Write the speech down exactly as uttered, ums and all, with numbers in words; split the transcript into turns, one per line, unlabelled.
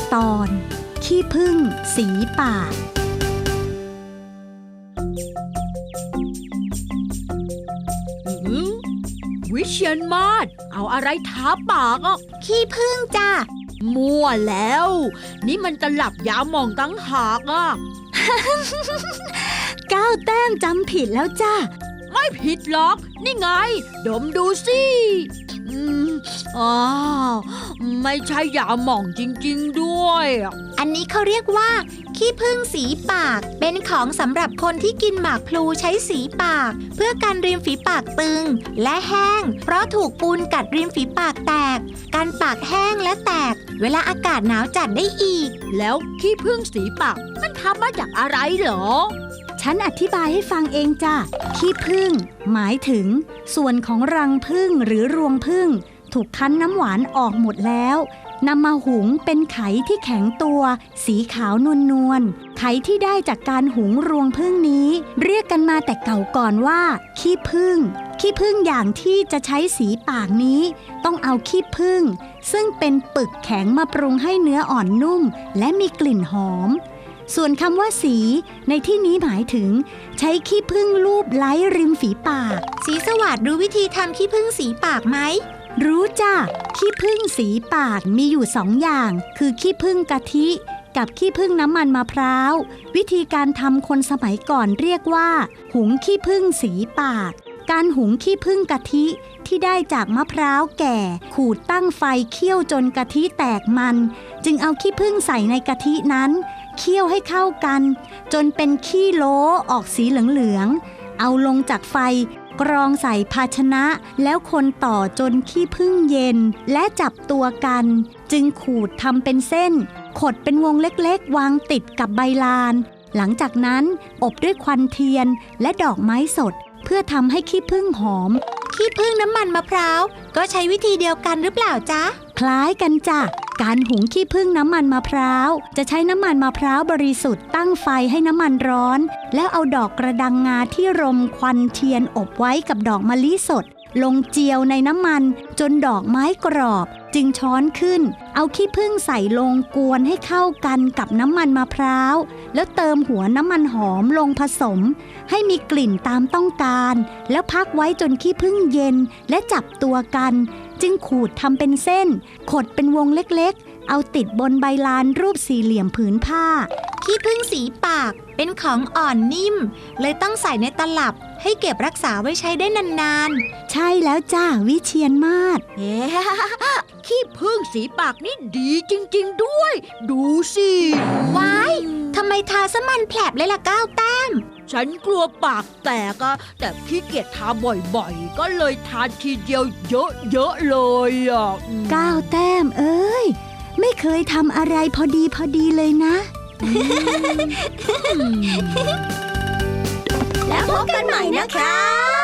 ตอนขี้ผึ้งสีปาก
วิเชียรมาศเอาอะไรทาปากอ่ะ
ขี้ผึ้งจ้ะ
มั่วแล้วนี่มันตลับยาหม่องตั้งหากอ่ะ
ก้าวแต้มจำผิดแล้วจ้า
ไม่ผิดหรอกนี่ไงดมดูสิอืมอ้าวไม่ใช่ยาหม่องจริงๆด้วยอ่ะ
อันนี้เขาเรียกว่าขี้ผึ้งสีปากเป็นของสำหรับคนที่กินหมากพลูใช้สีปากเพื่อกันริมฝีปากตึงและแห้งเพราะถูกปูนกัดริมฝีปากแตกการปากแห้งและแตกเวลาอากาศหนาวจัดได้อีก
แล้วขี้ผึ้งสีปากมันทำมาจากอะไรเหรอ
ฉันอธิบายให้ฟังเองจ้ะขี้ผึ้งหมายถึงส่วนของรังผึ้งหรือรวงผึ้งถูกคั้นน้ำหวานออกหมดแล้วนำมาหุงเป็นไข่ที่แข็งตัวสีขาวนวลนวลไข่ที่ได้จากการหุงรวงผึ้งนี้เรียกกันมาแต่เก่าก่อนว่าขี้ผึ้งขี้ผึ้งอย่างที่จะใช้สีปากนี้ต้องเอาขี้ผึ้งซึ่งเป็นปึกแข็งมาปรุงให้เนื้ออ่อนนุ่มและมีกลิ่นหอมส่วนคำว่าสีในที่นี้หมายถึงใช้ขี้ผึ้งลูบไล้ริมฝีปาก
สีสวัสดิ์รู้วิธีทำขี้ผึ้งสีปากไหม
รู้จ้ะขี้ผึ้งสีปากมีอยู่สองอย่างคือขี้ผึ้งกะทิกับขี้ผึ้งน้ำมันมะพร้าววิธีการทำคนสมัยก่อนเรียกว่าหุงขี้ผึ้งสีปากการหุงขี้ผึ้งกะทิที่ได้จากมะพร้าวแก่ขูดตั้งไฟเคี่ยวจนกะทิแตกมันจึงเอาขี้ผึ้งใส่ในกะทินั้นเคี่ยวให้เข้ากันจนเป็นขี้โล้ออกสีเหลืองๆเอาลงจากไฟกรองใส่ภาชนะแล้วคนต่อจนขี้ผึ้งเย็นและจับตัวกันจึงขูดทำเป็นเส้นขดเป็นวงเล็กๆวางติดกับใบลานหลังจากนั้นอบด้วยควันเทียนและดอกไม้สดเพื่อทำให้ขี้ผึ้งหอม
ขี้ผึ้งน้ำมันมะพร้าวก็ใช้วิธีเดียวกันหรือเปล่าจ๊ะ
คล้ายกันจ้ะการหุงขี้ผึ้งน้ำมันมะพร้าวจะใช้น้ำมันมะพร้าวบริสุทธิ์ตั้งไฟให้น้ำมันร้อนแล้วเอาดอกกระดังงาที่รมควันเทียนอบไว้กับดอกมะลิสดลงเจียวในน้ำมันจนดอกไม้กรอบจึงช้อนขึ้นเอาขี้ผึ้งใส่ลงกวนให้เข้ากันกับน้ำมันมะพร้าวแล้วเติมหัวน้ำมันหอมลงผสมให้มีกลิ่นตามต้องการแล้วพักไว้จนขี้ผึ้งเย็นและจับตัวกันจึงขูดทำเป็นเส้นขดเป็นวงเล็กๆเอาติดบนใบลานรูปสี่เหลี่ยมผืนผ้า
ขี้ผึ้งสีปากเป็นของอ่อนนิ่มเลยต้องใส่ในตลับให้เก็บรักษาไว้ใช้ได้นาน
ๆใช่แล้วจ้าวิเชียรมาศ
เอ๊ะขี้ผึ้งสีปากนี่ดีจริงๆด้วยดูสิ
ว้ายทำไมทาซะมันแผลบเลยล่ะก้าวแต้ม
ฉันกลัวปากแตกอะแต่ขี้เกียจทาบ่อยๆก็เลยทาทีเดียวเยอะๆเลยอ่ะ
ก้าวแต้มเอ้ยไม่เคยทำอะไรพอดีพอดีเลยนะ
แล้วพบกันใหม่นะคะ